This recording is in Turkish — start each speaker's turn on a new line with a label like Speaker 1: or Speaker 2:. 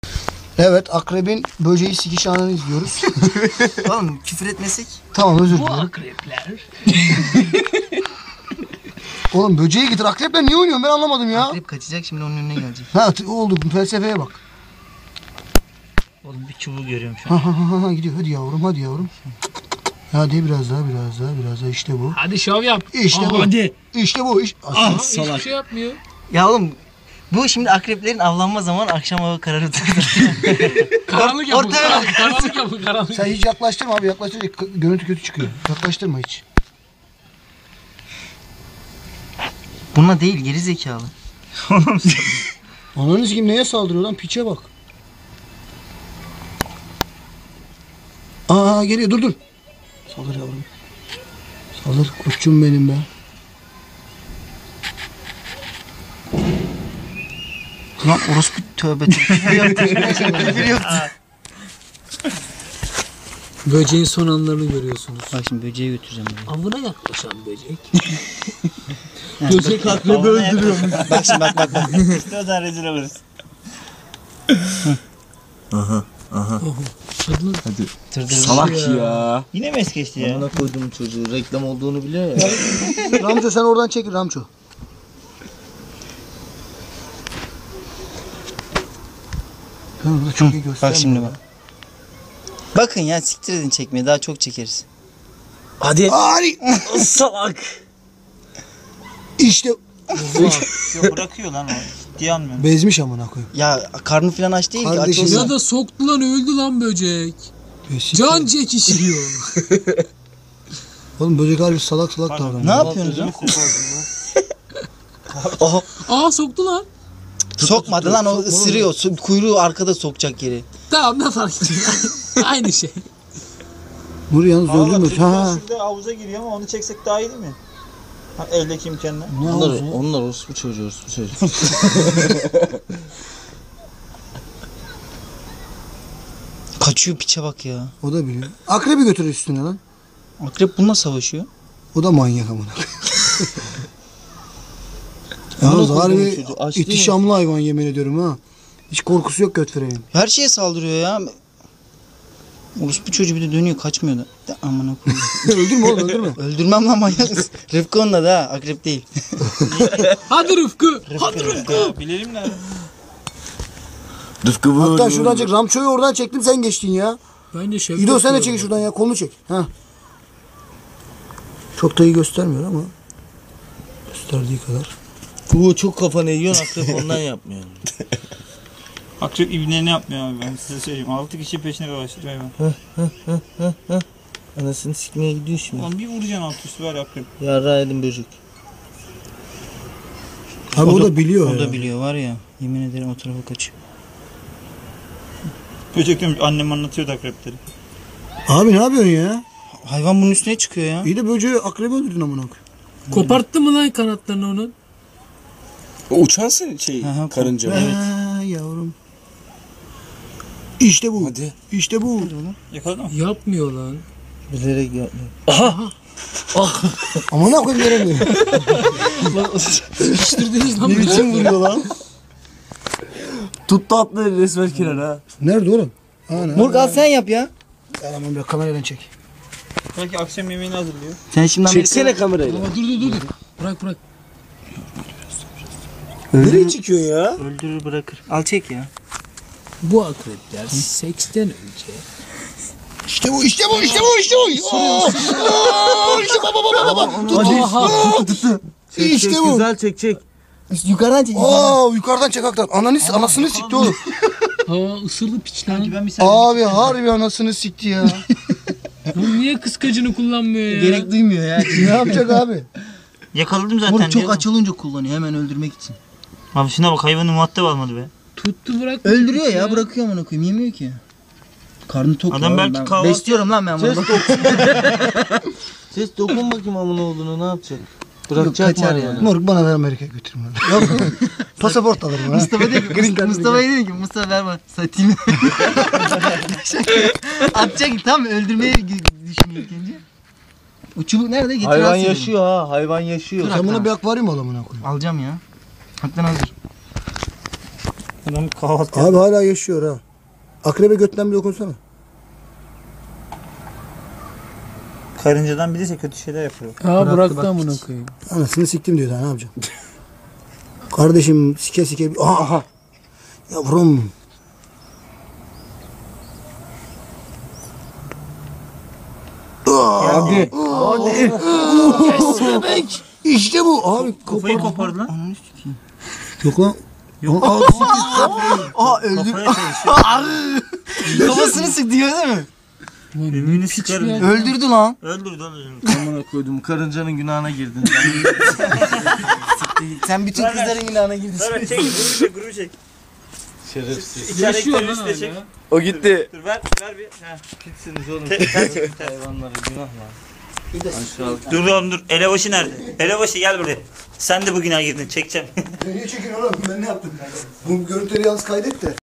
Speaker 1: Evet, akrebin böceği sikiş anını izliyoruz.
Speaker 2: Oğlum küfür etmesek.
Speaker 1: Tamam, özür
Speaker 3: Bu
Speaker 1: dilerim.
Speaker 3: akrepler.
Speaker 1: Oğlum böceği getir. Akrepler niye oynuyorsun ben anlamadım ya.
Speaker 2: Akrep kaçacak şimdi onun önüne gelecek.
Speaker 1: Ha oldu, felsefeye bak.
Speaker 3: Oğlum bir çubuğu görüyorum şu an.
Speaker 1: Ha gidiyor. Hadi yavrum, hadi yavrum. Hadi biraz daha işte bu.
Speaker 3: Hadi şov yap.
Speaker 1: İşte bu.
Speaker 3: Hadi.
Speaker 1: İşte bu.
Speaker 3: Ah, hiçbir şey yapmıyor.
Speaker 2: Ya oğlum bu şimdi akreplerin avlanma zamanı akşam hava kararı
Speaker 3: Karanlık yapın.
Speaker 2: Ortaya bak.
Speaker 3: Karanlık yapın. Karanlık.
Speaker 1: Sen hiç yaklaştırma abi, yaklaştırınca görüntü kötü çıkıyor. Yaklaştırma hiç.
Speaker 2: Buna değil geri zekalı.
Speaker 1: Ananız kim neye saldırıyor lan, piçe bak. Aa geliyor, dur. Saldır yavrum. Saldır koçum benim be.
Speaker 2: Lan orospu tövbe tövbe.
Speaker 3: Böceğin son anlarını görüyorsunuz.
Speaker 2: Bak şimdi böceği götüreceğim buraya.
Speaker 3: Avına yaklaşan böcek.
Speaker 2: Böcek akrebi öldürüyor. Bak şimdi bak. İşte o zaman rezil oluruz.
Speaker 3: Hadi.
Speaker 4: Salak ya.
Speaker 2: Yine mi es geçti ya?
Speaker 4: Bana koydum çocuğu. Reklam olduğunu biliyor ya.
Speaker 1: Ramço sen oradan çekil Ramço. Ben çok iyi göstermiyorum.
Speaker 2: Bak şimdi bak. Bakın ya siktir edin çekmeye daha çok çekeriz.
Speaker 4: Hadi.
Speaker 1: Ari!
Speaker 4: Salak.
Speaker 1: İşte
Speaker 2: Yok bırakıyor lan o. Ciddiye almıyorum.
Speaker 1: bezmiş amına koyayım.
Speaker 2: Ya karnı falan aç değil ki. Aç
Speaker 1: Kardeşim
Speaker 2: olsa.
Speaker 3: Ya da soktu lan öldü lan böcek. Can çekişiyor.
Speaker 1: Oğlum böcek harbi salak davranıyor.
Speaker 2: Ne yapıyorsunuz lan? Oha.
Speaker 3: Aa soktu lan.
Speaker 2: Sokmadı lan o ısırıyor. Kuyruğu arkada sokacak yeri.
Speaker 3: Tamam ne fark ediyor. Aynı şey.
Speaker 1: Nuri yalnız öldürmüyor. Ha.
Speaker 5: Şurada havuza giriyor ama onu çeksek daha iyi değil mi? Ha, eldeki imkanla.
Speaker 1: Ne oldu?
Speaker 4: Onlar orospu çocuğu.
Speaker 2: Kaçıyor piçe bak ya.
Speaker 1: O da biliyor. Akrebi götür üstüne lan.
Speaker 2: Akrep bununla savaşıyor.
Speaker 1: O da manyak amına. Yalnız harbi ihtişamlı hayvan yemin ediyorum ha. Hiç korkusu yok götürelim.
Speaker 2: Her şeye saldırıyor ya. Orospu çocuğu bir de dönüyor kaçmıyor da. De amına koyayım.
Speaker 1: Öldürme oğlum öldürme.
Speaker 2: Öldürmem lan manyak mısın? Rıfkı onunla da ha, akrep değil.
Speaker 3: Hadi Rıfkı. Hadi Rıfkı.
Speaker 5: Bilelim ne?
Speaker 4: Rıfkı bu.
Speaker 1: Hatta şuradan çek. Ramço'yu oradan çektim sen geçtin ya.
Speaker 3: Bence Şevket.
Speaker 1: İdo sen de
Speaker 3: diyorum.
Speaker 1: çek şuradan ya. Kolunu çek. Ha. Çok da iyi göstermiyor ama. Gösterdiği kadar.
Speaker 4: Bu çok kafanı yiyorsun akrep ondan yapmıyor.
Speaker 5: Akrep ibnelerini yapmıyor abi ben size söyleyeyim. 6 kişi peşine dolaştırıyor hayvan.
Speaker 4: Anasını sikmeye gidiyor şimdi.
Speaker 5: Lan bir vuracaksın alt üstü var ya akrep.
Speaker 4: Yarra edin böcek.
Speaker 1: Abi o da biliyor
Speaker 2: O
Speaker 1: ya.
Speaker 2: da biliyor var ya. Yemin ederim o tarafa kaçıyor.
Speaker 5: Böcek demiş annem anlatıyordu akrepleri.
Speaker 1: Abi ne yapıyorsun ya?
Speaker 2: Hayvan bunun üstüne çıkıyor ya.
Speaker 1: İyi de böceği akrebi öldürdün amına koyayım.
Speaker 3: Koparttı mı lan kanatlarını onun?
Speaker 4: O uçan şey
Speaker 2: Aha,
Speaker 4: karınca.
Speaker 1: Ha yavrum. İşte bu.
Speaker 4: Hadi.
Speaker 1: İşte bu.
Speaker 5: Yakaladın mı?
Speaker 3: Yapmıyor lan.
Speaker 4: Bilerek yapmıyor.
Speaker 1: Amına koyayım veremiyor.
Speaker 3: Sıkıştırdınız lan
Speaker 4: Ne
Speaker 3: beni.
Speaker 4: biçim vuruyor lan? Tuttu atları resmen kirar ha.
Speaker 1: Nerede oğlum? Ana.
Speaker 2: Morg al sen yap ya.
Speaker 1: Tamam bir kameradan çek.
Speaker 5: Belki akşam yemeğini hazırlıyor.
Speaker 2: Sen şimdi
Speaker 4: Çeksene kamerayla.
Speaker 3: Ama dur. Bırak.
Speaker 4: Nereye çıkıyor ya?
Speaker 2: öldürür bırakır. Al çek ya.
Speaker 3: Bu akrepler seksten önce
Speaker 1: İşte bu. İşte bu. İşte bu. İşte bu. İşte baba. İşte bu.
Speaker 4: Güzel çek.
Speaker 2: Yukarıdan çek.
Speaker 1: Yukarıdan çek hakikaten. Anasını sikti oğlum.
Speaker 3: ısırdı piç lan.
Speaker 5: Ben bir
Speaker 1: Abi harbi anasını sikti ya.
Speaker 3: Bu niye kıskacını kullanmıyor ya?
Speaker 2: Gerek duymuyor ya.
Speaker 1: Ne yapacak abi?
Speaker 5: Yakaladım zaten.
Speaker 2: Morg çok
Speaker 5: diyor.
Speaker 2: aç olunca kullanıyor hemen öldürmek için.
Speaker 5: Abi şuna bak hayvanı muhatap almadı be.
Speaker 3: Tuttu bırak.
Speaker 2: Öldürüyor ya bırakıyor amına koyayım yemiyor ki. Karnı tok
Speaker 5: Adam
Speaker 2: ya,
Speaker 5: belki
Speaker 2: ben
Speaker 5: kahvaltı-
Speaker 2: besliyorum lan ben bunu.
Speaker 4: Ses dokun bakayım amına olduğunu ne yapacak? Bırakacak
Speaker 2: kaçar
Speaker 4: mı
Speaker 2: ya.
Speaker 4: yani?
Speaker 1: Morg bana ver Amerika'ya götürme. Pasaport alırım ha.
Speaker 2: Mustafa diyor ki Mustafa'ya diyor ki Mustafa ver bana satayım. Atacak tam öldürmeye düşünüyor ilk önce. O çubuk nerede? Getir
Speaker 4: Hayvan
Speaker 2: alsın
Speaker 4: yaşıyor ha. Hayvan yaşıyor.
Speaker 1: Sen buna bir akvaryum al amına koyayım.
Speaker 2: dedim. Alacağım ya. Haktan hazır.
Speaker 5: Adam kahvaltı
Speaker 1: Abi hala yaşıyor ha. Akrebe götten bir dokunsana.
Speaker 5: Karıncadan bilirse kötü şeyler yapıyor.
Speaker 3: Ha bıraktı amına koyayım.
Speaker 1: Anasını siktim diyor daha ne yapacağım. Kardeşim sike sike. Aha. Yavrum.
Speaker 3: Hadi.
Speaker 1: Bebek. İşte bu. Abi
Speaker 5: Kafayı kopardı lan.
Speaker 1: Yok lan.
Speaker 5: Yok.
Speaker 2: Aa öldü.
Speaker 5: Kafaya çalışıyor.
Speaker 2: Kafasını sıktı değil mi?
Speaker 5: Ümüğünü sıkarım.
Speaker 3: ya.
Speaker 2: Öldürdü lan.
Speaker 5: Öldürdü lan.
Speaker 4: Amına koydum karıncanın günahına girdin.
Speaker 2: Sen bütün kızların günahına girdin.
Speaker 5: Ver çek. Grubu çek.
Speaker 4: Şerefsiz.
Speaker 3: Yaşıyor
Speaker 5: İçerideki
Speaker 3: lan
Speaker 5: terörist de çek.
Speaker 3: hala.
Speaker 4: O gitti.
Speaker 5: Dur ver bir. Heh.
Speaker 4: Gitsiniz oğlum.
Speaker 5: Sen çek.
Speaker 4: Hayvanlara günah lan. Aşağılık.
Speaker 5: Dur oğlum dur. Elebaşı nerede? Elebaşı gel buraya. Sen de bugüne girdin. Çekeceğim.
Speaker 1: Niye çekin oğlum? Ben ne yaptım? Bu görüntüleri yalnız kaydet de.